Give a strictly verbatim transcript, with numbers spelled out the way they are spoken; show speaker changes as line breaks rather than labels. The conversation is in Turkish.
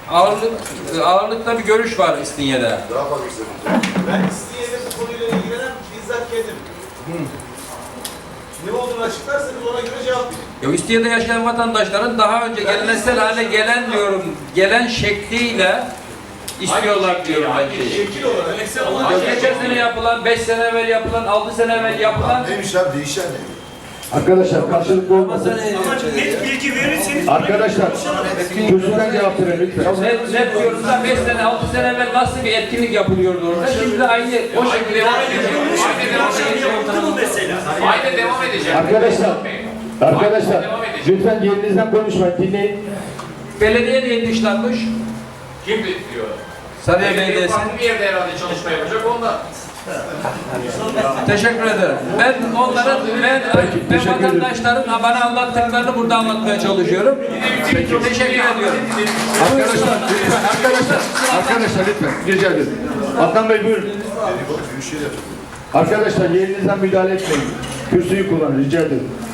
ağırlık, ağırlıkta bir görüş var İstinye'de.
Daha fazla istedim.
Ben İstinye'de bu konuyla ilgilenen bizzat kendim.
Hı.
Ne olduğunu açıklarsanız ona göre cevap verin.
Ya İstinye'de yaşayan vatandaşların daha önce geleneksel hale gelen diyorum, gelen şekliyle istiyorlar diyorum ben şeyi.
Şekil olarak.
Ya geçen sene yapılan, beş sene evvel yapılan, altı sene evvel yapılan
Neymiş abi değişen ne?
Arkadaşlar karşılıklı olmasın.
Ama net bilgi verirseniz
Arkadaşlar kürsüden cevap verin lütfen.
net, net diyoruz da beş sene, altı sene evvel nasıl bir etkinlik yapılıyordu orada? Şimdi de aynı o şekilde devam
yapılmış bir akşam yapıldı mı mesela?
Aynen devam edeceğim.
Arkadaşlar, arkadaşlar lütfen yerinizden konuşmayın, dinleyin.
Belediye niye dışlanmış?
Kim diyor?
Sarıya Belediyesi.
Farklı bir yerde herhalde çalışma yapacak onda.
Teşekkür ederim. Ben onların, ben, ben vatandaşların bana anlattıklarını burada anlatmaya çalışıyorum. Teşekkür ediyorum.
Arkadaşlar lütfen, arkadaşlar, arkadaşlar lütfen rica ederim. Adnan Bey buyurun.
Büyük şey yapacak.
Arkadaşlar yerinizden müdahale etmeyin. Kürsüyü kullanın rica ederim.